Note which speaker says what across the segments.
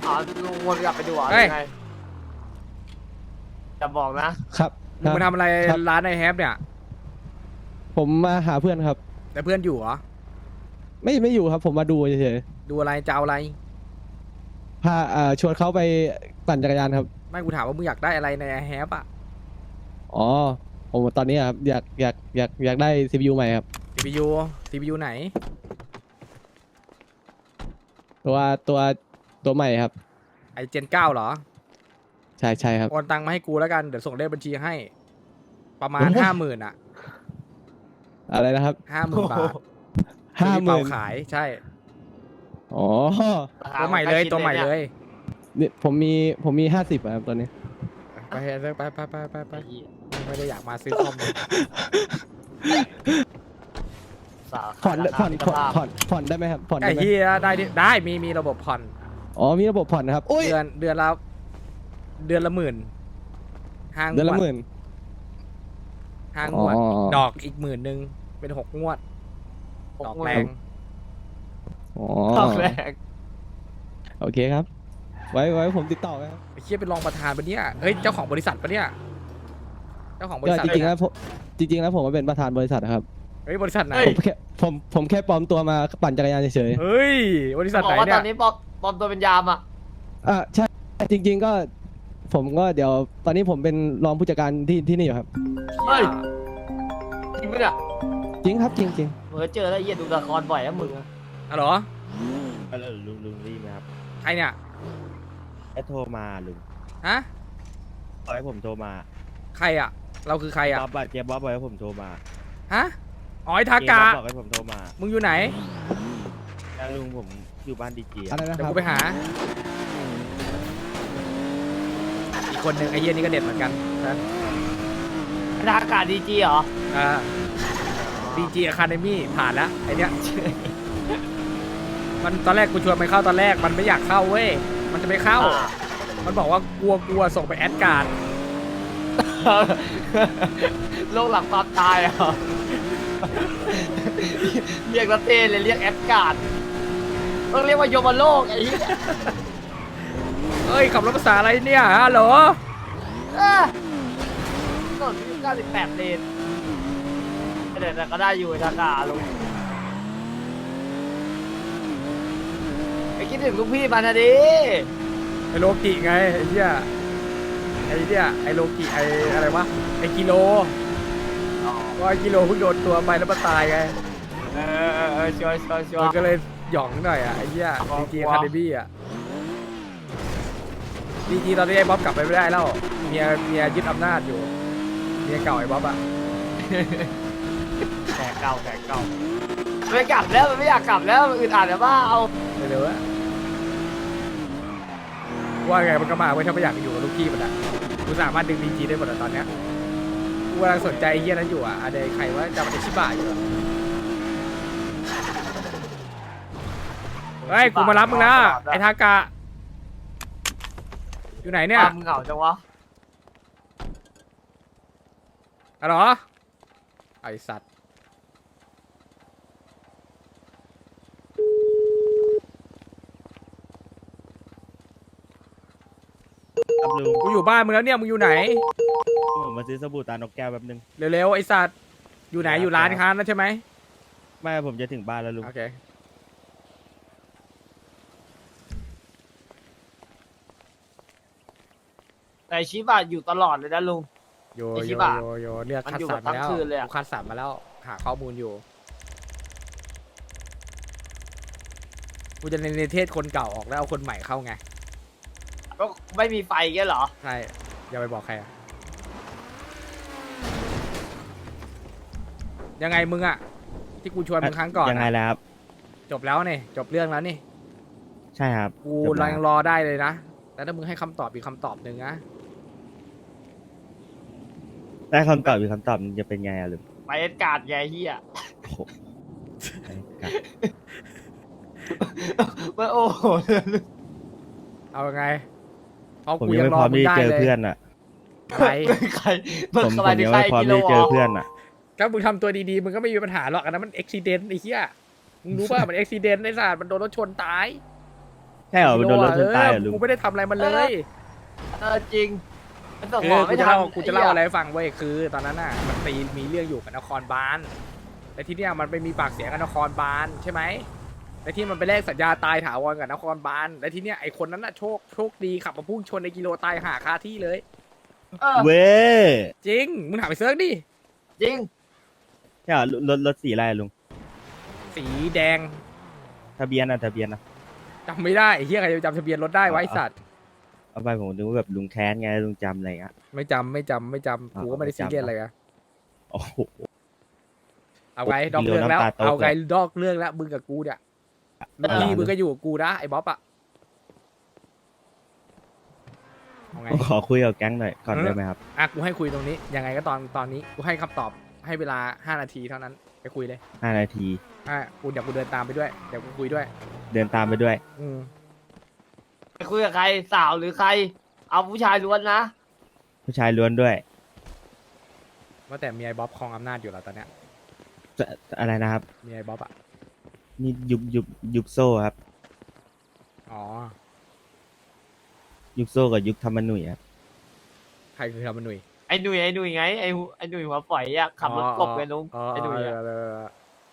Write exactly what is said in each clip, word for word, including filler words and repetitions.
Speaker 1: อ๋อลุงวนกลับไปดูเหรอ
Speaker 2: เฮ้ย
Speaker 1: ยังไงจะบอกนะครับ
Speaker 2: มึงมาทำอะไร
Speaker 3: ครับ
Speaker 2: ร้านไอแฮปเนี่ย
Speaker 3: ผมมาหาเพื่อนครับ
Speaker 2: แต่เพื่อนอยู่เหรอ
Speaker 3: ไม่ไม่อยู่ครับ ผมมาดูเฉย
Speaker 2: ดูอะไรจะเอาอะไร
Speaker 3: ๆพาเอ่อชวนเขาไปปั่นจักรยานครับ
Speaker 2: ไม่กูถามว่ามึงอยากได้อะไรในไอแฮปอะ
Speaker 3: อ๋อผมตอนนี้ครับอยากอยากอยากอยากได้ ซี พี ยู ใหม่ครับ
Speaker 2: ซี พี ยู ซี พี ยู ไหน
Speaker 3: ตัวตัวตัวใหม่ครับ
Speaker 2: ไอเจนเก้าเหรอ
Speaker 3: ใช่ใช่ครับ
Speaker 2: โอนตังค์มาให้กูแล้วกัน เดี๋ยวส่งเลขบัญชีให้ ประมาณ
Speaker 3: โอ้โห
Speaker 2: ห้าหมื่นอะ
Speaker 3: อะไรนะครับ
Speaker 2: ห้าหมื่นบาท
Speaker 3: ห้าหมื่น
Speaker 2: เป่ขาย ใช่
Speaker 3: อ๋อ
Speaker 2: ตัวใหม่เลยตัวใหม่เลย
Speaker 3: นี่ผมมีผมมีห้าสิบครับตอนนี้
Speaker 2: ไปไปไปไปไปไป
Speaker 1: ไอ้เหี้ย
Speaker 2: ไม่ได้อยากมาซื้อคอมเลย
Speaker 1: สาว
Speaker 3: ผ่อนผ่อน
Speaker 1: รา
Speaker 3: ผ่อน
Speaker 1: คา
Speaker 3: ผ่อนผ่อนได้ไหมครับผ่อน
Speaker 2: ไอ้
Speaker 3: ได้ไหม
Speaker 2: เฮียได้ดิได้มีมีระบบผ่อน
Speaker 3: อ๋อมีระบบผ่อนนะครับอุ้ย
Speaker 2: เดือนเดือนละเดือนละหมื่นห้าง
Speaker 3: เดือนละ
Speaker 2: ว
Speaker 3: หมื่น
Speaker 2: ห้างวด
Speaker 3: อ๋อ
Speaker 2: ดอกอีกหมื่นหนึ่งเป็นหกงวด
Speaker 1: หก
Speaker 2: ดอก
Speaker 1: หมื่น
Speaker 2: แรง
Speaker 3: อ๋อ
Speaker 1: ดอกแรก
Speaker 3: โอเคครับ ไว้ไว้ผมติดต่อไหมครับ
Speaker 2: ไอ้เฮียเป็นรองประธานปะเนี่ยเฮ้ยเจ้าของบริษัทปะเนี่ยเจ้าของบริ
Speaker 3: ก็
Speaker 2: ษัท
Speaker 3: จริงๆ
Speaker 2: เลย
Speaker 3: แล้
Speaker 2: นะ
Speaker 3: วผมจริงๆแล้วผมมาเป็นประธานบริษัทนะครับ
Speaker 2: เฮ้ยบริษัทไหน
Speaker 3: ผมแค่ผมผมแค่ปลอมตัวมาปั่นจักรยานเฉย
Speaker 2: เฮ้ยบริษัท
Speaker 1: บ
Speaker 2: ไห
Speaker 1: อน กว่าต
Speaker 2: เนี่
Speaker 1: อย นนี้ปลอมปลอมตัวเป็นยามอ่ะ
Speaker 3: ๆอ่ะใช่จริง ๆ ก็ ผมก็เดี๋ยวตอนนี้ผมเป็นรองผู้จัดการที่ที่นี่อยู่ครับ
Speaker 1: เฮ้ย จริงปะเนี่ย
Speaker 3: จริงครับจริงจริง
Speaker 1: เหมือนเจอแล้วไอ้เหี้ยดูละครบ่อยนะมึงอะ
Speaker 2: อ๋อเหรอ
Speaker 4: แล้วลุงลุงรีบไหมครับ
Speaker 2: ใครเนี่ย
Speaker 4: ไอ้โทรมาลุง
Speaker 2: ฮะ
Speaker 4: บอกให้ผมโทรมา
Speaker 2: ใครอ่ะ เราคือใครอ่ะ
Speaker 4: บ๊อบอะเจ๊บ๊อบบอกให้ผมโทรมา
Speaker 2: ฮะอ๋อไอ้ทา
Speaker 4: เจ๊
Speaker 2: กะ
Speaker 4: บ๊อบบอกให้ผมโทรมา
Speaker 2: มึงอยู่ไหน
Speaker 4: แล้วลุงผมอยู่บ้านดีจี
Speaker 3: ๆอะไรนะ
Speaker 2: เดี๋ย
Speaker 3: คว รับ
Speaker 2: กูไปหา อีกคนหนึ่งไอ้เหี้ยนี่ก็เด็ดเหมือนกันนะ
Speaker 1: ทางอากาศดีจีเหรอ
Speaker 2: อ่าดีจีอะคาเดมี่ผ่านแล้วไอเนี้ย มันตอนแรกกูชวนมันเข้าตอนแรกมันไม่อยากเข้าเว้ย มันจะไม่เข้า
Speaker 1: อ่า
Speaker 2: มันบอกว่ากลัวกลัวส่งไปแอดการ์ด
Speaker 1: โลกหลังความตายเหรอ เรียกละเต้เลยเรียกแอดการ์ดต้องเรียกว่าโยมโลกไอ้เหี้ย
Speaker 2: เอ้ยขับรถภาษาอะไรเนี่ยฮัลโหล
Speaker 1: เออถนนที่เก้าสิบแปดเลนเดี๋ยวแต่ก็ได้อยู่ไอ้ทางอากาศลุงไปคิดถึงลูกพี่มันนะดิ
Speaker 2: ไอโลกิไงไอ้เหี้ยไอ้เนี่ยไอโลกิไออะไรวะไอกิโลว่าไอกิโลเพิ่งโดนตัวไปแล้วมันตายไง
Speaker 1: เออเออเออชัวร์ชัวร์ชัว
Speaker 2: มัน
Speaker 1: ร์
Speaker 2: ก็เลยหย่องหน่อยอ่ะไอ้เหี้ย
Speaker 1: กลัว
Speaker 2: ดีจี
Speaker 1: กลัว
Speaker 2: คาเดมี่อ่ะดีจีตอนนี้ไอ้บ๊อบกลับไปไม่ได้แล้วเมียเมียยึดอำนาจอยู่เมียเก่าไอ้บ๊อบอ่ะ
Speaker 1: แขกเก่าแขกเก่าไม่กลับแล้วมันไม่อยากกลับแล้วมันอึดอัดแล้วบ้าเอา
Speaker 2: เร็วๆอะว่าไงมันก็มาไว้ยถ้าไม่อยากอยู่กับลูกพี่มันอ่ะกูสามารถดึงดีจีได้หมดอะตอนเนี้ยกูกำลังสนใจไอ้เหี้ยนั้นอยู่อ่ะอะไรใครว่าจำมันชิบะอยู่อะเฮ้ยกูมารับมึงแล้วไอ้ทากะอยู่ไหนเนี่ย
Speaker 1: มึงเหงาจังวะ
Speaker 2: อะเหรอไอสัตว์
Speaker 4: ครับลุง
Speaker 2: กูอยู่บ้านมึงแล้วเนี่ยมึงอยู่ไหน
Speaker 4: ผมมาซื้อสบู่ตานกแก้วแป๊บนึง
Speaker 2: เร็วๆไอสัตว์อยู่ไหนอยู่ร้านค้านั่นใช่ไหม
Speaker 4: ไม่ผมจะถึงบ้านแล้วลุง
Speaker 2: โอเค
Speaker 1: แต่ชิบะอยู่ตลอดเลยนะลุง
Speaker 2: โย
Speaker 1: ไอ้ชิ
Speaker 2: โย
Speaker 1: บะ
Speaker 2: โยโยเรียก
Speaker 1: มัน
Speaker 2: คัด
Speaker 1: อยู่
Speaker 2: สรร
Speaker 1: แบบ
Speaker 2: มาแล้ว
Speaker 1: ทั้งคืนเลยอะ
Speaker 2: กูคัดสรรมาแล้วหาข้อมูลอยู่กูจะในเทศคนเก่าออกแล้วเอาคนใหม่เข้าไง
Speaker 1: ก็ไม่มีไฟแค่เหรอ
Speaker 2: ใช่อย่าไปบอกใครอะยังไงมึงอะที่กูชวนมึงครั้งก่อน
Speaker 4: ยังไง
Speaker 2: อะ
Speaker 4: แล้วครับ
Speaker 2: จบแล้วนี่จบเรื่องแล้วนี่
Speaker 4: ใช่ครับ
Speaker 2: กู
Speaker 4: จบแล้ว
Speaker 2: ยังรอได้เลยนะแต่ถ้ามึงให้คำตอบอีกคำตอบหนึ่งนะ
Speaker 4: ได้คำตอบอีกคำตอบมันจะเป็นไงอะลุง
Speaker 1: ไปแอดการ์ดไงเฮีย
Speaker 4: โอ้โหไอ้กะ
Speaker 1: มันโอ้โห
Speaker 2: เอายังไงเพราะ
Speaker 4: ผม
Speaker 2: กู
Speaker 4: ยัง
Speaker 2: ยัง
Speaker 4: ไม่
Speaker 2: ร
Speaker 4: พ
Speaker 2: อ
Speaker 4: ร้อม
Speaker 2: มึง
Speaker 4: ที่
Speaker 2: ได้
Speaker 4: เจอ
Speaker 2: เลย
Speaker 4: เพื่อนอ่ะ
Speaker 2: ใคร
Speaker 1: ใคร
Speaker 4: ผมผม
Speaker 1: สบายดี
Speaker 4: ยัง
Speaker 1: ใคร
Speaker 4: ไม่พร้อม
Speaker 1: กิโล
Speaker 4: ที่เจอเพื่อนอ่ะ
Speaker 2: ถ้ามึงทำตัวดีๆมึงก็ไม่มีปัญหาหรอกอันนั้นมันอุบิเหตุไอ้เหี้ยมึงรู้ป่ะมันอุบิเหตุไอ้สัตว์มันโดนรถชนตาย
Speaker 4: ใช่เหรอมันโดนรถชนตายเหรอลุง
Speaker 2: กูไม่ได้ทำอะไรมันเลย
Speaker 1: เออจริงมันส่ง
Speaker 2: คื
Speaker 1: หมอ
Speaker 2: อกู
Speaker 1: ไม่
Speaker 2: จะ
Speaker 1: ทัน
Speaker 2: เล่ากูจะเล่าอะไร
Speaker 1: ไ
Speaker 2: ให้ฟังเว้ยคือ ตอนนั้นน่ะมันตีมีเรื่องอยู่กับนครบาลแต่ที่เนี้ยมันไปมีปากเสียงกับนครบาลใช่ไหมแต่ที่มันไปแลกสัญญาตายถาวรกับนครบาลและที่เนี้ยไอคนนั้นน่ะโชคโชคดีขับมาพุ่งชนในกิโลตายหาคาที่เลย
Speaker 1: เออ
Speaker 4: เว้ย
Speaker 2: จริงมึงถามไปเซิร์ชดิ
Speaker 1: จริง
Speaker 4: ใช่เหรอรถรถสีอะไรอะลุง
Speaker 2: สีแดง
Speaker 4: ทะเบียนอะทะเบียนอะ
Speaker 2: จำไม่ได้ไอ้เฮียใครจะจำทะเบียนรถได้ไวะไอ้สัตว์
Speaker 4: เอาไปผมนึกว่าแบบลุงแค้นไงลุงจำอะไรอย่างเงี้ย
Speaker 2: ไม่จำไม่จำไม่จำ
Speaker 4: อ๋อ
Speaker 2: กูก็ไม่ได้
Speaker 4: ไม่
Speaker 2: ซี
Speaker 4: จำ
Speaker 2: เรียสอะไรอะ
Speaker 4: โอ้โห
Speaker 2: เอาไง
Speaker 4: โอ้
Speaker 2: ดอกเรื่องแล้ว
Speaker 4: น้ำตาตก
Speaker 2: เอาไง
Speaker 4: เลย
Speaker 2: ดอกเรื่องแล้วมึงกับกูเนี่ย
Speaker 1: เออ
Speaker 2: พี่มึงก็อยู่กับกูนะไอ้บ๊อบอะเอาไง
Speaker 4: ผมขอคุยกับแก๊งหน่อยก่อนได้ไหมครับ
Speaker 2: อ่ะกูให้คุยตรงนี้ยังไงก็ตอนตอนนี้กูให้คำตอบให้เวลาห้านาทีเท่านั้นไปคุยเลย
Speaker 4: ห้านาที
Speaker 2: อ่ะกูเดี๋ยวกูเดินตามไปด้วยเดี๋ยวกูคุยด้วย
Speaker 4: เดินตามไปด้วย
Speaker 2: อืม
Speaker 1: ไปคุยกับใครสาวหรือใคร เอาผู้ชายล้วนนะ
Speaker 4: ผู้ชายล้วนด้วย
Speaker 2: ว่าแต่มีไอ้บ๊อบครองอำนาจอยู่แล้วตอนเนี้ย
Speaker 4: จะอะไรนะครับ
Speaker 2: มีไอ้บ๊อบอะ
Speaker 4: นี่ยุบยุบยุบโซ่ครับ
Speaker 2: อ๋อ
Speaker 4: ยุบโซ่กับยุบธรรมนุ่ยครับ
Speaker 2: ใครคือทำมันหนุ่ย
Speaker 1: ไอ้หนุ่ยไอ้หนุ่ยไงไอ้หูไอ้หนุ่ยหัวฝอยอะขับรถกบไงลุง
Speaker 2: อ๋อ
Speaker 1: ไอ้หนุ่ย
Speaker 2: เอ
Speaker 1: อะ
Speaker 2: อเออเออ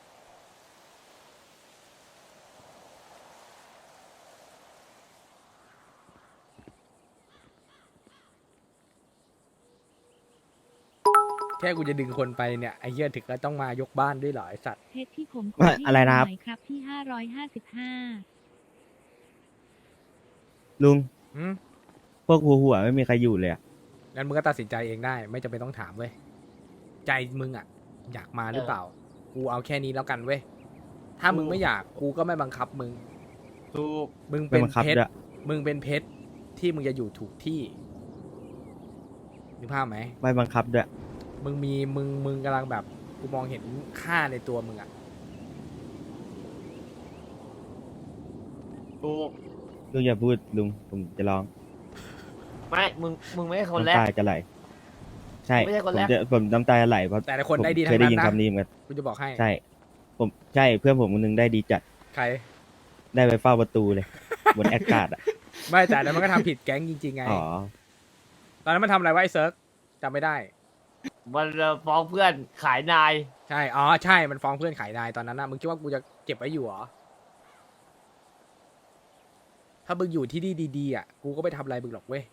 Speaker 2: แค่กูจะดึงคนไปเนี่ยไอ้เหี้ยถึงก็ต้องมายกบ้านด้วยเหรอไอ้สัตว์
Speaker 5: เพชรที่ผม
Speaker 4: ว่าอะไรนะครับ
Speaker 5: หน่อยครับที่ห้าร้อยห้าสิบห้า
Speaker 4: ลุง
Speaker 2: อืม
Speaker 4: พวกหัวหัวไม่มีใครอยู่เลยอะ
Speaker 2: งั้นมึงก็ตัดสินใจเองได้ ไม่จำเป็นต้องถามเว้ยใจมึงอะอยากมาหรือเปล่า กูเอาแค่นี้แล้วกันเว้ยถ้ามึงไม่อยากกูก็ไม่บังคับมึง
Speaker 1: ถูก
Speaker 2: มึง
Speaker 4: ไม่
Speaker 2: เป็น
Speaker 4: บังคับ
Speaker 2: เพชร
Speaker 4: ด้วย
Speaker 2: มึงเป็นเพชรที่มึงจะอยู่ถูกที่นึกภาพไหม
Speaker 4: ไม่บังคับด้วย
Speaker 2: มึงมีมึงมึงกำลังแบบกูมองเห็นค่าในตัวมึงอะ
Speaker 1: ถูก
Speaker 4: ลุงอย่าพูดลุงผมจะร้อง
Speaker 1: ไม่มึงมึงไม่ใช่คนแร
Speaker 4: น้ำ
Speaker 1: ก
Speaker 4: ตาจะไหล ใช่
Speaker 1: ไม่ใช่คน
Speaker 4: ผม
Speaker 1: แรก
Speaker 4: จะผมน้ำตาจะไหลเพราะ
Speaker 2: แต่ละคน
Speaker 4: ผม
Speaker 2: ได้ดี
Speaker 4: เค
Speaker 2: ทั้
Speaker 4: ย
Speaker 2: ง
Speaker 4: ได้
Speaker 2: นั้น
Speaker 4: ยิน
Speaker 2: นะ
Speaker 4: คำนี้เหมือนกัน
Speaker 2: กูจะบอกให้
Speaker 4: ใช่ ผมใช่เพื่อนผมคนหนึงได้ดีจัด
Speaker 2: ใคร
Speaker 4: ได้ไปเฝ้าประตูเลย บนแอคการ์ดอ่ะ
Speaker 2: ไม่แต่อันนั้นมันก็ทำผิดแก๊งจริงๆไง
Speaker 4: อ๋อ
Speaker 2: ตอนนั้นมันทำอะไรไวะไอ้เซิร์ฟจำไม่ได้
Speaker 1: มันฟ้องเพื่อนขายนาย
Speaker 2: ใช่ อ๋อ ใช่ มันฟ้องเพื่อนขายนายตอนนั้นนะมึงคิดว่ากูจะเก็บไว้อยู่เหรอ ถ้ามึงอยู่ที่นี่ดีๆอ่ะ กูก็ไม่ทำอะไรมึงหรอกเว้ย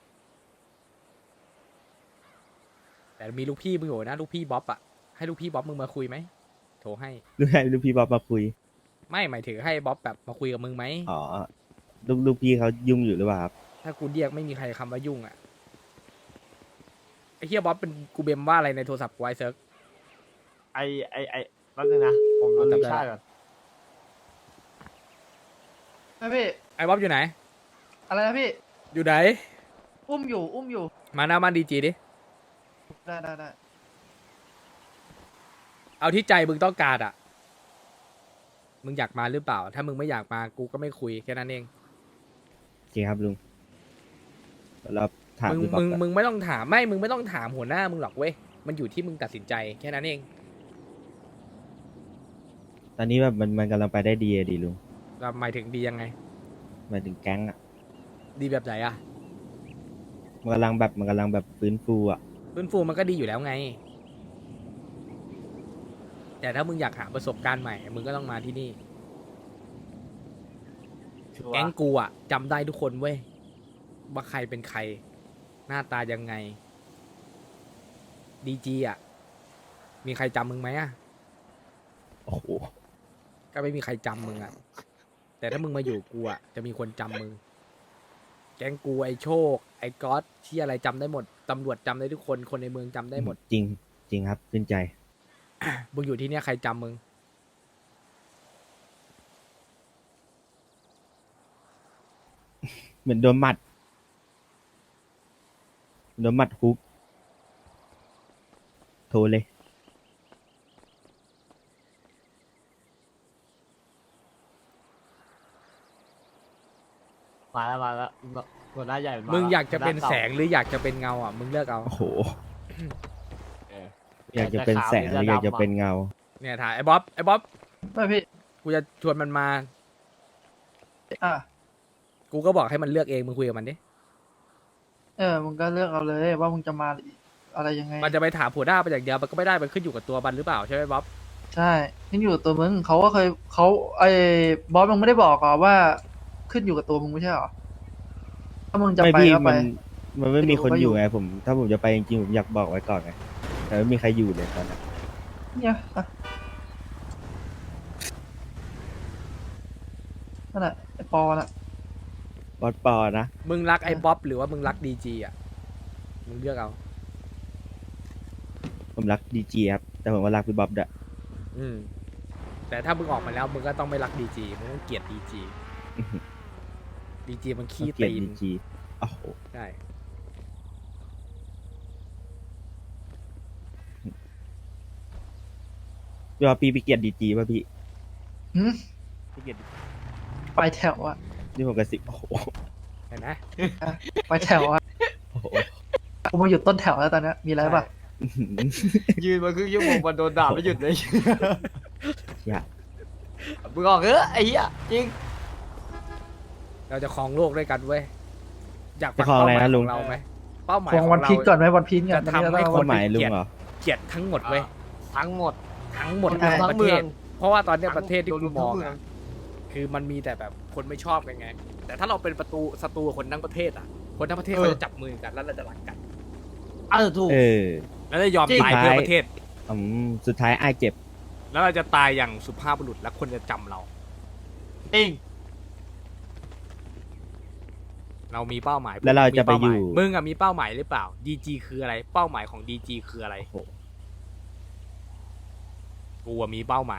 Speaker 2: แต่มีลูกพี่มึงอยู่นะ ลูกพี่บ๊อบอ่ะ ให้ลูกพี่บ๊อบมึงมาคุยไหม โทรให้
Speaker 4: ลูกให้ลูกพี่บ๊อบมาคุย
Speaker 2: ไม่หมายถึงให้บ๊อบแบบมาคุยกับมึงไหม
Speaker 4: อ๋อ ลูกลูกพี่เขายุ่งอยู่หรือเปล่าครับ
Speaker 2: ถ้ากูเรียกไม่มีใครคำว่ายุ่งอ่ะ ไอ้เฮียบ๊อบเป็นกูเบมว่าอะไรในโทรศัพท์กูไอเซิร์ฟ
Speaker 1: ไอ้ไอ้ไอ้แป๊บนึงนะ ผมดู
Speaker 2: จำได้
Speaker 1: ชาติก่อนนะพี่
Speaker 2: ไอ้บ๊อบอยู่ไหน
Speaker 1: อะไรนะพี่
Speaker 2: อยู่ไหน
Speaker 1: อุ้มอยู่อุ้มอยู่
Speaker 2: มาหน้าบ้านดีจีดิ
Speaker 1: ได้ได้ได้
Speaker 2: เอาที่ใจมึงต้องการอ่ะ มึงอยากมาหรือเปล่า ถ้ามึงไม่อยากมากูก็ไม่คุยแค่นั้นเอง
Speaker 4: โอเคครับลุงเราถาม
Speaker 2: มึง
Speaker 4: พี่บ๊อบ
Speaker 2: มึง
Speaker 4: ก่อน
Speaker 2: มึงไม่ต้องถามไม่ มึงไม่ต้องถามหัวหน้ามึงหรอกเว้ย มันอยู่ที่มึงตัดสินใจแค่นั้นเอง
Speaker 4: ตอนนี้แบบมันมันกำลังไปได้ดีอะดีลุง
Speaker 2: เราหมายถึงดียังไง
Speaker 4: หมายถึงแก๊งอ่ะ
Speaker 2: ดีแบบไหนอะ
Speaker 4: มันกำลังแบบมันกำลังแบบฟื้นฟูอ่ะ
Speaker 2: ฟื้นฟูมันก็ดีอยู่แล้วไง แต่ถ้ามึงอยากหาประสบการณ์ใหม่ มึงก็ต้องมาที่นี่
Speaker 1: ชัวร์
Speaker 2: แก๊งกูอะจำได้ทุกคนเว้ย ว่าใครเป็นใคร หน้าตายังไง ดีจีอะมีใครจำมึงไหมอะ
Speaker 4: โอ้โห
Speaker 2: ก็ไม่มีใครจำมึงอะแต่ถ้ามึงมาอยู่กูอะจะมีคนจำมึง แก๊งกูไอโชค ไอก๊อตที่อะไรจำได้หมด ตำรวจจำได้ทุกคน คนในเมืองจำได้หมด
Speaker 4: จริงจริงครับขึ้นใจ
Speaker 2: มึงอยู่ที่เนี่ยใครจำมึง
Speaker 4: เหมือนโดนหมัดโดนหมัดฮุกโทรเลย
Speaker 1: มาแล้วมาแล้วหัวหน้าใหญ่มา
Speaker 2: มึง
Speaker 1: แล้ว
Speaker 2: อยากจะเป็น
Speaker 1: หัวห
Speaker 2: แส
Speaker 1: ก่าง
Speaker 2: หรืออยากจะเป็นเงาอ่ะ มึงเลือกเอา
Speaker 4: โอ้โห
Speaker 1: เออ
Speaker 4: อยากจะเป็นแสงหรืออยากจะเป็นเงา
Speaker 2: เนี่ยถ่ายไอ้บ๊อบ ไอ้บ๊อบ
Speaker 1: ไม่พี่
Speaker 2: กูจะชวนมันมา
Speaker 1: อ่ะ
Speaker 2: กูก็บอกให้มันเลือกเองมึงคุยกับมันดิ
Speaker 6: เออมึงก็เลือกเอาเลยว่ามึงจะมาอะไรยังไง
Speaker 2: มันจะไปถามผัวหน้าไปอย่างเดียวมันก็ไม่ได้มันขึ้นอยู่กับตัวมันหรือเปล่าใช่ไหมบ๊อบ
Speaker 6: ใช่ขึ้นอยู่กับตัวมึงเขาก็เคยเขาไอ้บอสมึงไม่ได้บอกหรอว่า ขึ้นอยู่กับตัวมึงไม่ใช่หรอถ้ามึงจะ
Speaker 4: ไม่
Speaker 6: ไป
Speaker 4: พี่
Speaker 6: ก็ไป
Speaker 4: มันมันไม่มีคน
Speaker 6: ไม่
Speaker 4: อ
Speaker 6: อยู่
Speaker 4: ยู่ไงผม ถ้าผมจะไปจริงๆผมอยากบอกไว้ก่อนไงแต่ไม่มีใครอยู่เลยตอนนั้น
Speaker 6: เนี่ยอ่ะนั่นแหละไอ้ปอน่ะ
Speaker 4: บอสปอนะ
Speaker 2: มึงรักไอ้บ๊อบหรือว่ามึงรักดีจีอ่ะมึงเลือกเอา
Speaker 4: ผมรักดีจีครับแต่ผมก็รักพี่บ๊อบด้วย
Speaker 2: อืมแต่ถ้ามึงออกมาแล้วมึงก็ต้องไม่รักดีจีมึงต้องเกลียดดีจี
Speaker 4: อื้อหือ
Speaker 2: ดีจีมันขี้
Speaker 4: เกลียด
Speaker 2: ตีน
Speaker 4: ดีจีโอ้โห
Speaker 2: ใช่
Speaker 4: พี่บ๊อบพี่ไปเกลียดดีจีป่ะพี่
Speaker 6: หืม
Speaker 4: พี่เกลียด
Speaker 6: ไปแถวอะ
Speaker 4: นี่ผมกระซิบโอ้โห
Speaker 2: เห็นไหม
Speaker 6: อ่ะไปแถวอะ
Speaker 4: โอ้โห
Speaker 6: กูมาอยู่ต้นแถวแล้วตอนเนี้ยมีอะไรป่ะ
Speaker 4: อื้อหือ
Speaker 1: ยืนมาครึ่งชั่วโมงมันโดนด่าไม่หยุดเลย
Speaker 4: อย่า
Speaker 1: มึงออกเออไอ้เหี้ยจริง
Speaker 2: เราจะครองโลกด้วยกันเว้ยอยาก
Speaker 4: จะคลองอะไรนะลุง
Speaker 2: เป้าหมายของเราไหมเป้าหมาย
Speaker 6: ควง
Speaker 2: ขอ
Speaker 6: วัน
Speaker 2: งเรา
Speaker 6: พีชก่อนไหมวันพีชก่อน
Speaker 2: จะทำให้
Speaker 6: ตอนนี้เรา
Speaker 2: ค
Speaker 4: คน นหมายลุงเหรอ
Speaker 2: เกลียดทั้งหมดเว้ย
Speaker 1: ทั้งหมด
Speaker 2: ทั้งหมด
Speaker 6: ใช่
Speaker 2: ทั้งประเทศ เพราะว่าตอนเนี้ย
Speaker 1: ทั้ง
Speaker 2: ประเทศที่
Speaker 1: โด
Speaker 2: กู
Speaker 1: น
Speaker 2: มอง
Speaker 1: ทั้งเมือง
Speaker 2: อะคือมันมีแต่แบบคนไม่ชอบกันไง แต่ถ้าเราเป็นประตูศัตรูกับคนทั้งประเทศอ่ะ คนทั้งประเทศ
Speaker 1: เออ
Speaker 2: เขาจะจับมือกันแล้วเราจะรักกัน
Speaker 1: เออถูก
Speaker 4: เออ
Speaker 2: แล้วจะยอม
Speaker 1: จริง
Speaker 2: ตายเพื่อประเทศ
Speaker 4: อืมสุดท้ายไอ้ายเจ็บ
Speaker 2: แล้วเราจะตายอย่างสุภาพบุรุษและคนจะจำเรา
Speaker 1: จริง
Speaker 2: เรามีเป้าหมาย
Speaker 4: แล้วเราจะไปอยู่
Speaker 2: มึงอะมีเป้าหมายหรือเปล่า ดี จี คืออะไร เป้าหมายของ ดี จี คืออะไร
Speaker 4: โอ้โห
Speaker 2: กูอะมีเป้าหมาย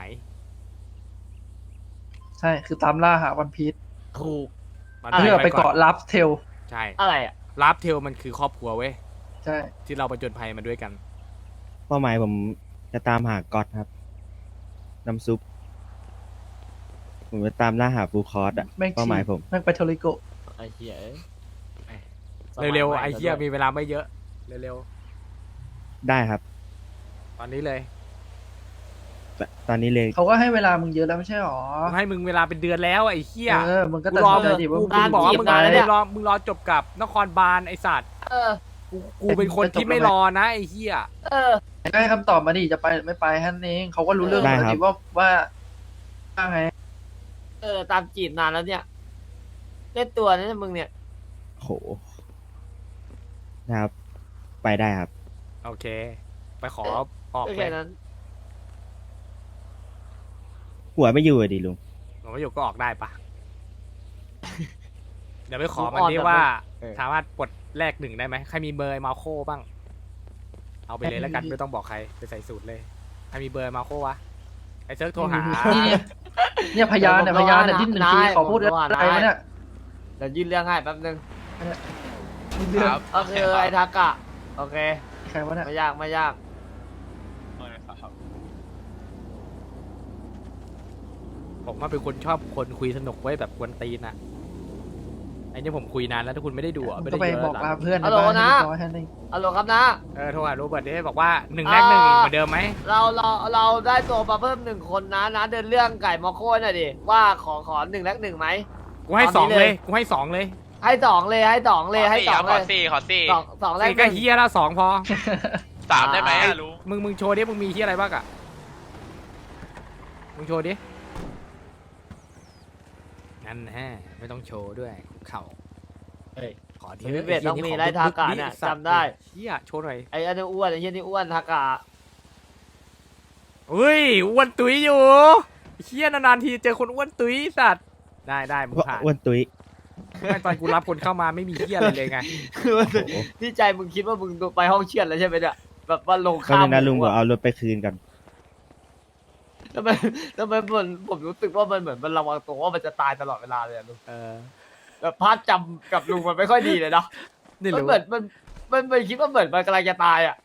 Speaker 6: ใช่คือตามล่าหาวันพีช
Speaker 1: ถูก
Speaker 2: มัน
Speaker 6: เพื่อไปเกาะลับเทล
Speaker 2: ใช่
Speaker 1: อะไรอ่ะ
Speaker 2: ลาฟเทลมันคือครอบครัวเว้ย
Speaker 6: ใช่
Speaker 2: ที่เราประจนภัยมาด้วยกัน
Speaker 4: เป้าหมายผมจะตามหาก๊อตครับ น้ำซุป ผมจะตามล่าหาฟูลคอร์สอะ
Speaker 6: แม่ง
Speaker 4: เป้าหมายผม
Speaker 6: แม่งไปโทริโกะ
Speaker 1: ไอ้เหี้ยเอ้ย
Speaker 2: เร็ว
Speaker 1: สมั
Speaker 2: ๆ
Speaker 1: ใหม่
Speaker 2: ไอ้เหี้ย
Speaker 1: แล้วด้
Speaker 2: มี
Speaker 1: วย
Speaker 2: เวลาไม่เยอะ เร็ว
Speaker 4: ได้ครับ
Speaker 2: ๆ ตอนนี้เลย
Speaker 4: ตตอนนี้เลย
Speaker 6: เขาก็ให้เวลามึงเยอะแล้วไม่ใช่หรอ
Speaker 2: กูให้มึงเวลาเป็นเดือนแล้วไอ้เหี้ย
Speaker 6: เออมึงก็
Speaker 2: กู
Speaker 6: ตัด
Speaker 2: รอ
Speaker 6: สินใจ
Speaker 2: มึง
Speaker 6: ดิว่า
Speaker 2: กู
Speaker 6: มึง
Speaker 2: บอกว่ามึง
Speaker 6: จะ
Speaker 2: มึ
Speaker 6: จี
Speaker 2: ง
Speaker 6: บ
Speaker 2: รอมึงรอจบกับนครบาลไอ้สัตว์
Speaker 1: เออ
Speaker 2: กูกูเป็นคนที่ไม่รอนะไอ้เหี้ย
Speaker 1: เออ
Speaker 6: ก็ให้คำตอบมาดิจะไปหรือไม่ไปแค่นั้นเองเขาก็รู้เรื่อง
Speaker 4: ได้
Speaker 6: แล้ว
Speaker 4: ครับ
Speaker 6: ดิว่าว่าว่าไง
Speaker 1: เออ ตามจีบนานแล้วเนี่ย เล่นตัวนะมึงเนี่ย
Speaker 4: โห นะครับ ไปได้ครับ
Speaker 2: โอเค ไปขอออก
Speaker 1: ก็
Speaker 2: เล
Speaker 1: แค่
Speaker 2: ย
Speaker 1: นั้น
Speaker 4: หัวไม่อยู่อะดิลุง
Speaker 2: หลวงพ่อหยกก็ออกได้ปะ เดี๋ยวไปขอ
Speaker 1: มึง
Speaker 2: มัน
Speaker 1: อ่อน
Speaker 2: ดิ
Speaker 1: แบบ
Speaker 2: ว่า
Speaker 1: เออ
Speaker 2: สามารถปลดแลกหนึ่งได้ไหมใครมีเบอร์มาโคบ้าง เอาไปเลยแล้วกันไม่ต้องบอกใครไปใส่สูตรเลยใครมีเบอร์มาโควะไอ้เซิร์กโทรหา
Speaker 6: นี่เนี่ยเนี่ยพยานเนี่ยพยานเนี่ยดิ้นหนึ่งทีขอพูดอะไรวะเนี่ย
Speaker 1: เดี๋ยวยื่นเรื่องให้แป๊บนึง
Speaker 6: เรื่อง
Speaker 1: ก็คือไอ้ทากะ โอเค
Speaker 6: ใครวะเนี่ย
Speaker 1: ไม่ยากไม่ยาก
Speaker 2: ผมว่าเป็นคนชอบคนคุยสนุกไว้แบบกวนตีนอะไอ้นี่ผมคุยนานแล้วถ้าคุณไม่ได้ดูอะ
Speaker 6: มึ
Speaker 2: ไม่
Speaker 6: ง
Speaker 2: ได้
Speaker 6: ก็ไป
Speaker 2: เยอะ
Speaker 6: บอก
Speaker 2: ห
Speaker 6: ลา
Speaker 2: ลัง
Speaker 6: เพื่อน
Speaker 1: ฮัลโหล
Speaker 6: ใบ้า
Speaker 1: นะ
Speaker 6: ให้เรียบร้อยแค่นั้นเอง
Speaker 1: ฮัลโหลครับนะ
Speaker 2: เออโทรหาโรเบิร์ตดิบอกว่าหนึ่งแลกหนึ่ง
Speaker 1: อ่า
Speaker 2: เหมือนเดิมไหม
Speaker 1: เราเราเราได้ตัวมาเพิ่มหนึ่งคนนะนะเดินเรื่องไก่มอโค่หน่อยดิว่าขอขอหนึ่งแลกหนึ่งไหม
Speaker 2: กูให้
Speaker 1: ต
Speaker 2: ส
Speaker 1: อ
Speaker 2: อน ง
Speaker 1: นี้
Speaker 2: เล
Speaker 1: เลย ย
Speaker 2: กูให้สองเลย
Speaker 1: ให้สองเลยให้สองเลยให้สอง
Speaker 7: ข
Speaker 1: เล
Speaker 7: อย สี่ครับขอสี่ขอสี่
Speaker 1: สองสองแลก
Speaker 2: สี่
Speaker 1: ห
Speaker 2: ก็
Speaker 1: นึ่ง
Speaker 2: เฮียแล้วสองพอ
Speaker 7: สามได้ไหมอะลุง
Speaker 2: มึงมึงโชว์ดิมึงมีเฮียอะไรบ้างอะมึงโชว์ดินั่นแฮะไม่ต้องโชว์ด้วยคุกเข่า
Speaker 1: เฮ้ย
Speaker 2: ขอที
Speaker 1: เบสต้องมีไล่ทากะเนี่ยจำได้
Speaker 2: เฮียโชว์หน่อย
Speaker 1: ไอ้อันนี้อ้วนไอ้เหี้ยนี่อ้วนทากะ
Speaker 2: เฮ้ยอ้วนตุ้ยอยู่เฮียนานๆทีเจอคนอ้วนตุ้ยสัตว์ได้ได้มึงผ่าน
Speaker 4: อ้วนตุ้ย
Speaker 2: ไม่ตอนกูรับคนเข้ามาไม่มีเฮียอะไรเลยไง
Speaker 1: คือมันที่ใจมึงคิดว่ามึงไปห้องเชียดแล้วใช่ไหมเนี่ยแบบว่าลง
Speaker 4: ก็
Speaker 1: ข้าม
Speaker 4: เลยนะลุงบอก
Speaker 1: อะ
Speaker 4: เอารถไปคืนกัน
Speaker 1: ทำไมทำไมผมผมรู้สึกว่ามันเหมือนมันระวังตัวว่ามันจะตายตลอดเวลาเลยอะลุง
Speaker 2: เออ
Speaker 1: แบบภาพจำกับลุงมันไม่ค่อยดีเลยเนาะ
Speaker 2: นี่
Speaker 1: มัน
Speaker 2: รู้
Speaker 1: เหมือนมันมันมันคิดว่าเหมือนมันกำลังจะตายอ่ะ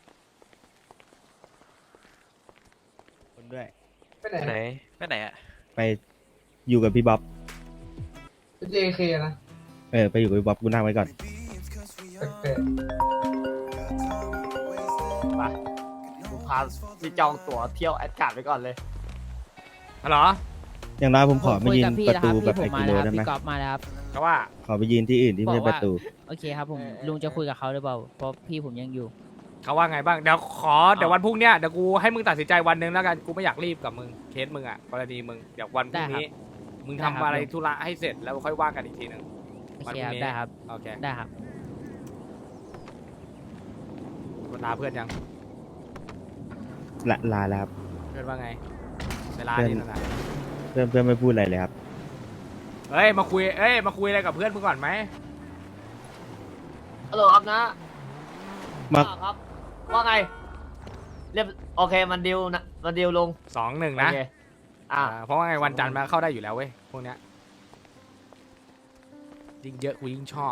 Speaker 4: คนด้วย
Speaker 6: ไปไหน
Speaker 7: ไหนไปไหนอะ
Speaker 4: ไปอยู่กับพี่บ๊อบ
Speaker 6: เจเคนะ
Speaker 4: เออ ไปอยู่กับพี่บ๊อบกูนั่งไว้ก่อน
Speaker 6: แปลก
Speaker 1: ไปลุงพาที่จองตั๋วเที่ยวแอดการ์ดไปก่อนเลย
Speaker 2: ฮัลโหล
Speaker 4: อย่างน้อยผมขอมายืน
Speaker 8: คุยกับพี่
Speaker 4: ประตู
Speaker 8: นะ
Speaker 4: แบบ
Speaker 8: พี่
Speaker 4: ไอ
Speaker 8: ผมมา
Speaker 4: กิโล
Speaker 8: แล้วครับ
Speaker 4: ได้ไหม
Speaker 8: พี่กอล์ฟมาแล้วครับ
Speaker 2: ไปเขาว่า
Speaker 4: ขอไปยืนที่อื่นที่ไม่
Speaker 8: บอก
Speaker 4: ป
Speaker 8: ว่า
Speaker 4: ระตู
Speaker 8: โอเคครับผมลุงจะคุยกับเขาหรือเปล่าเพราะพี่ผมยังอยู่
Speaker 2: เขาว่าไงบ้างเดี๋ยวขอเดี๋ยววันพรุ่งเนี้ยเดี๋ยวกูให้มึงตัดสินใจวันหนึ่งแล้วกันกูไม่อยากรีบกับมึงเคสมึงอ่ะกรณีมึงเดี๋ยววันพรุ่งนี้ มึง
Speaker 8: ได้
Speaker 2: ทำ
Speaker 8: ครับ
Speaker 2: อะไรธุระให้เสร็จแล้วค่อยว่ากันอีกทีหนึ่ง
Speaker 8: โอ
Speaker 2: วัน
Speaker 8: เค
Speaker 2: พรุ่
Speaker 8: ค
Speaker 2: ง
Speaker 8: รับ
Speaker 2: นี้
Speaker 8: ได้ครับ
Speaker 2: โอเค
Speaker 8: ได้ครับ
Speaker 2: ลาเพื่อนยัง
Speaker 4: ละลาแล้วครับ
Speaker 2: เพื่อนว่าไงเวลา
Speaker 4: เพื่อน
Speaker 2: นี่นั่นน่ะ
Speaker 4: เพื่อนเพื่อนไม่พูดอะไรเลยครับ
Speaker 2: เอ้ยมาคุยเอ้ยมาคุยอะไรกับเพื่อนมึงก่อนไหม
Speaker 1: ฮัลโหลครับนะ
Speaker 4: มา
Speaker 1: อ่ครับ ว่าไง เรียบโอเคมันดิวนะมันดิวลง
Speaker 2: สองหนึ่ง
Speaker 1: โอ
Speaker 2: นะ
Speaker 1: เคอ่า
Speaker 2: อ่าเพราะว่าไงวันจันทร์มาเข้าได้อยู่แล้วเว้ยพวกเนี้ยยิ่งเยอะกูยิ่งชอบ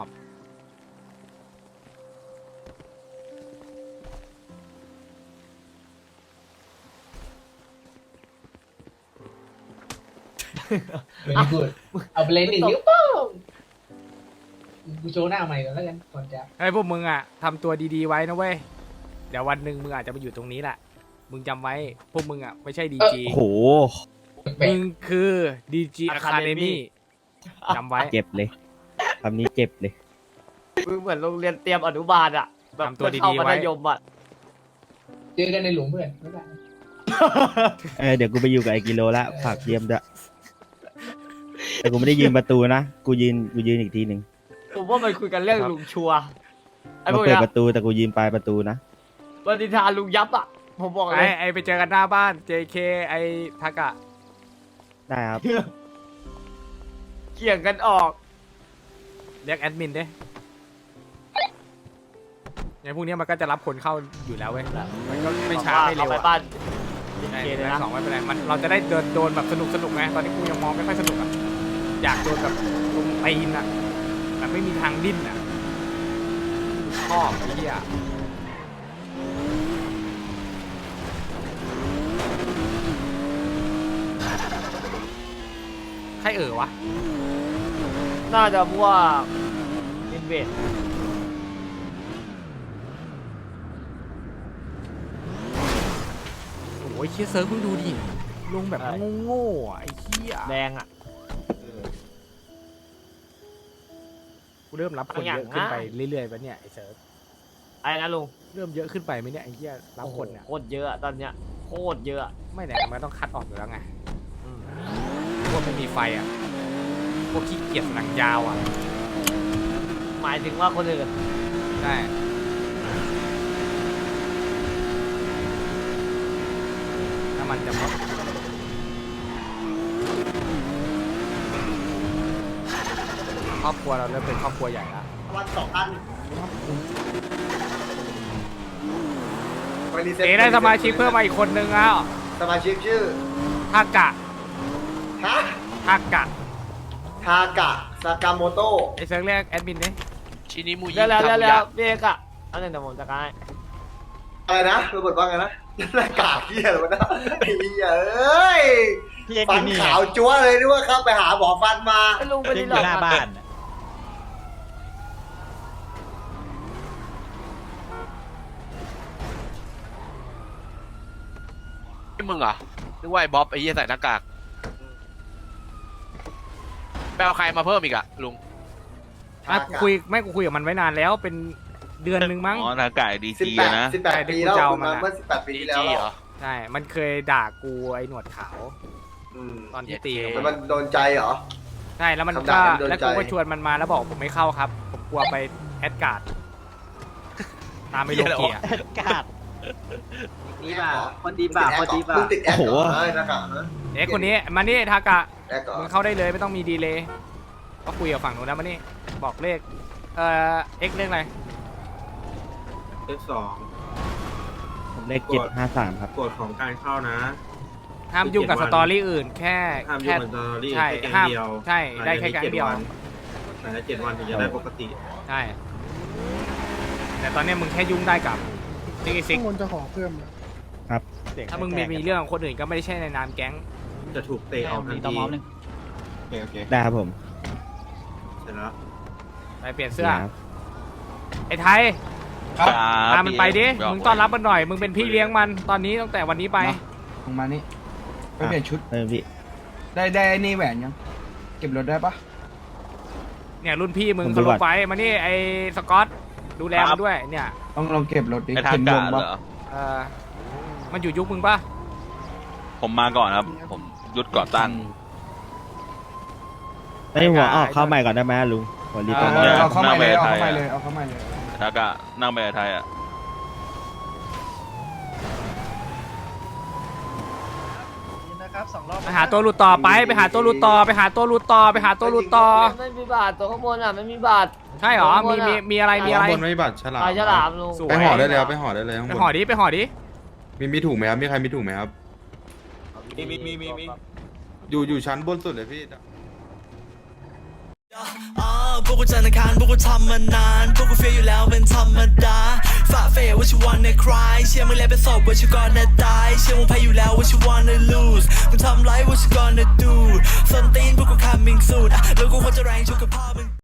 Speaker 9: ไม่ได้พูดเอาไปเลยหนึ่งนิ้วโป้งกูโชว์หน้าใหม่ก่อนแล้วกันก่อนจะ
Speaker 2: เฮ้ยพวกมึงอ่ะทำตัวดีๆไว้นะเว้ยเดี๋ยววันหนึ่งมึงอาจจะมาอยู่ตรงนี้แหละมึงจำไว้พวกมึงอ่ะไม่ใช่ดีจี
Speaker 4: โอ้โห
Speaker 9: แปล
Speaker 2: มึ
Speaker 9: ก
Speaker 2: งคือดีจีอะคาเดมี่จำไว้
Speaker 4: เจ็บเลยคำนี้เจ็บเลย
Speaker 1: มึงเหมือนโรงเรียนเตรียมอนุบาลอ่ะแบบ
Speaker 2: ทำตัวดีๆ
Speaker 1: เข้ามั
Speaker 2: ไว้
Speaker 1: ธยมอ่ะ
Speaker 9: เจอกันในหลุมเพื่อนบ๊ายบาย
Speaker 4: เออเดี๋ยวกูไปอยู่กับไอกิโลละฝากเยี่ยมด้วยแต่กูไม่ได้ยืนประตูนะ กูยืนกูยืนอีกทีหนึ่ง
Speaker 1: ผมว่ามันคุยกันเรื่องลุงชัวร์ไอ้พ
Speaker 4: มาว
Speaker 1: ก
Speaker 4: เปิด
Speaker 1: เนี้ย
Speaker 4: ประตูแต่กูยืนปลายประตูนะ
Speaker 1: วันนิทานลุงยับอ่ะ ผมบอกเล
Speaker 2: ไอ้
Speaker 1: ย
Speaker 2: ไอ้ไปเจอกันหน้าบ้าน เจ เค ไอ้ทากะ
Speaker 4: ได้ครับ
Speaker 1: เกี่ยงกันออก
Speaker 2: เรียกแอดมินดิในพวกเนี้ยมันก็จะรับคนเข้าอยู่แล้วเว้ยมันก็ไม่ช้าไม่เร็ว
Speaker 1: อไป
Speaker 2: อะ
Speaker 1: บ้าน
Speaker 2: ใช่
Speaker 1: เคเลยนะ
Speaker 2: สองไม่เป็นไรมันเราจะได้เดินโดนแบบสนุกสนุกไงตอนนี้กูยังมองไม่ค่อยสนุกอ่ะอยากโดนแบบลงตีนอ่ะแบบไม่มีทางดิ้นอ่ะชอบไอ้เหี้ยใครเอ่อวะ
Speaker 1: น่าจะพวกอินเวส
Speaker 2: โอ้ยเชี่ยเซิร์ฟเพิ่งดูดิลงแบบโง่ๆอ่ะไอ้เหี้ย
Speaker 1: แดงอ่ะ
Speaker 2: กูเริ่มรับคนเยอะขึ้นไปเรื่อยๆปะเนี่ยไอ้เซิร์ฟ
Speaker 1: ไอ้นะลุง
Speaker 2: เริ่มเยอะขึ้นไปไหมเนี่ยไอ้เหี้ยรับคนเนี่ย
Speaker 1: โคตรเยอะอะตอนเนี้ยโคตรเยอะอะ
Speaker 2: ไม่ไหนมันต้องคัดออกอยู่แล้วไงอืมพวกไม่มีไฟอ่ะพวกขี้เกียจหนังยาวอ่ะ
Speaker 1: หมายถึงว่าคนอื่น
Speaker 2: ใช่ถ้ามันจะมาครอบครัวเราเริ่มเป็นครอบครัวใหญ่แล้ว
Speaker 10: วันสองพัน
Speaker 2: เอได้สมาชิกเพิ่มมาอีกคนนึงแล้ว
Speaker 10: สมาชิกชื่อ
Speaker 2: ทากะ
Speaker 10: ฮะ
Speaker 2: ทากะ
Speaker 10: ทากะซากาโมโตะ
Speaker 2: ไอเซิร์ฟเรียกแอดมินดิ
Speaker 7: ชินิมูยิ
Speaker 1: แล้วแล้วแล้ว
Speaker 7: ทามุ
Speaker 1: แล้ว
Speaker 7: ยะ
Speaker 1: พี่เอกอะอันนึงเดี๋ยวผมจะกาย
Speaker 10: อะไรนะรูบทว่าไงนะหน้ากากเหี้ยอะไรวะนะไอ้เหี้ยเอ้ยฟันขาวจั๊วเลยนึกว่าครับไปหาหมอฟันมา
Speaker 1: ไอ้ลุงไปที่หลอกมัน
Speaker 7: นี่มึงเหรอนึกว่าไอ้บ๊อบไอ้เหี้ยใส่หน้ากากไปเอาใครมาเพิ่มอีกอะลุง
Speaker 2: ไม่กูคุยไม่กูคุยกับมันไว้นานแล้วเป็นเดือนหนึ่งมั้ง
Speaker 11: อ๋อหน้ากากดี
Speaker 10: สิบ
Speaker 11: จี
Speaker 10: แปด
Speaker 11: นะ
Speaker 10: สิบแปด
Speaker 2: ใช่ที่
Speaker 10: ปี
Speaker 2: กู
Speaker 10: แล้ว
Speaker 2: จะเอา
Speaker 10: คุณ
Speaker 2: มา
Speaker 10: มาเมื่อสิบแปดปี
Speaker 7: ดี
Speaker 10: ที่แล้ว
Speaker 7: จีเหรอ
Speaker 2: ใช่ มันเคยด่ากูไอ้หนวดขาว
Speaker 10: อืม
Speaker 2: ตอนที่ตี
Speaker 10: แล้วมันโดนใจเหรอ
Speaker 2: ใช่แล้วมัน
Speaker 10: คำ
Speaker 2: ก็
Speaker 10: ด่ามันโดน
Speaker 2: แล้วกู
Speaker 10: ใจ
Speaker 2: ก็ชวนมันมาแล้วบอกผมไม่เข้าครับ ผมกลัวไปแอดการ์ดตามไปโลเกีย
Speaker 8: กาด
Speaker 10: ดีป่ะคนดีป่ะคนดีป่ะมึงติดแอปเหรอเอ้ยหน้ากากนะ
Speaker 2: เอ๊ะคนนี้มานี่ทากะ
Speaker 10: แอปก่อ
Speaker 2: มึ
Speaker 10: น
Speaker 2: งเข้าได้เลยไม่ต้องมีดีเลย์ก็คุยกับฝั่งนู้นแล้วมานี่บอกเลขเอ่อเอ็กเลขอะไร
Speaker 12: เลขสอง
Speaker 4: ผมเลขเจ็ดห้าสามครับ
Speaker 12: กฎของการเข้านะ
Speaker 2: ห้ามยุ่งกับสตอรี่อื่น แค่
Speaker 12: ห้ามยุ่
Speaker 2: แค่
Speaker 12: งกับสตอรี่
Speaker 2: ใช่
Speaker 12: แค่แก๊ง
Speaker 2: ห้าม
Speaker 12: เดียว
Speaker 2: ใช่ได้แค่แก๊งเดียว
Speaker 12: ภายในเจ็ดวันถึงจะได้ปกติ
Speaker 2: ใช่ แต่ตอนเนี้ยมึงแค่ยุ่งได้กับซิกซิก
Speaker 9: คนจะขอเพิ่ม
Speaker 4: ครับ
Speaker 2: ถ้ามึงมีมีเรื่องกับคนอื่นก็ไม่ได้ใช่ในนามแก๊ง
Speaker 12: จะถูกเตะออกทันที
Speaker 4: ได้ครับผม
Speaker 12: เสร็จแล้ว
Speaker 2: ไปเปลี่ยนเสื้อ
Speaker 4: ครับ
Speaker 2: ไอ้ไทยพามันไปดิ มึงต้อนรับมันหน่อย มึงเป็นพี่เลี้ยงมันตอนนี้ตั้งแต่วันนี้ไป
Speaker 9: ลงมานี่ไปเปลี่ยนชุด
Speaker 4: เออพี่
Speaker 9: ได้ได้นี่แหวนยัง เก็บรถได้ปะ
Speaker 2: เนี่ยรุ่นพี่มึง
Speaker 4: ผมดู
Speaker 2: เขาล
Speaker 4: ก่
Speaker 2: ง
Speaker 4: อน
Speaker 2: ไปมานี่ไอ้สกอตดูแลมันด้วยเนี่ย
Speaker 3: ต้องลองเก็บรถดิ
Speaker 11: ไอ้ทากะเหรอ
Speaker 2: เออมันอยู่ยุคมึงปะ
Speaker 11: ผมมาก่อนครับ ผมยุดก่อตั้ง
Speaker 4: ไอ้หัวออกเข้าใหม่ก่อนได้ไหมลุงหัวรีบก่อน
Speaker 11: เออเอาเข้าใหม่เลยเอาเข้าใหม่
Speaker 3: เล
Speaker 11: เลย ย
Speaker 3: เอาเข้ามาเลย
Speaker 11: ทากะนั่งไปไทยอ่ะ
Speaker 6: นะครับสองรอบ
Speaker 2: ไปหาตัวหลุดต่อไปไปหาตัวหลุดต่อไปหาตัวหลุดต่อไปหาตัวหลุดต่อ
Speaker 1: ไม่มีบาทตัวข้างบนอ่ะไม่มีบาท
Speaker 2: ใช่เหรอมีมีมีอะไรมีอะไร
Speaker 12: บนไม่บัตรฉลาม
Speaker 1: ปลาฉลามลุง
Speaker 2: สวย
Speaker 12: ไปห่อได้เลยครับไปห่อได้เลยข้าง
Speaker 2: ไป
Speaker 12: บน
Speaker 2: ห่อดิไปห่อดิ
Speaker 12: มีมีถุงไหมครับมีใครมีถุงไหมครับ
Speaker 11: มีมีมีมีมี
Speaker 12: อยู่อยู่ชั้นบนสุดเลยพี่
Speaker 13: อ่าพวกกูจันทร์อังคารพวกกูทำมานาน พวกกูเฟียอยู่แล้วเป็นธรรมดาฝ่าเฟย what you wanna cry เชื่อมึงแล้วเป็นศพ what you gonna die เชื่อมึงแพ้อยู่แล้ว what you wanna lose มึงทำไร what you gonna do ส้นตีนพวกกู coming soon อ่ะแล้วกูควรจะแรงชุกกับพ่อมึง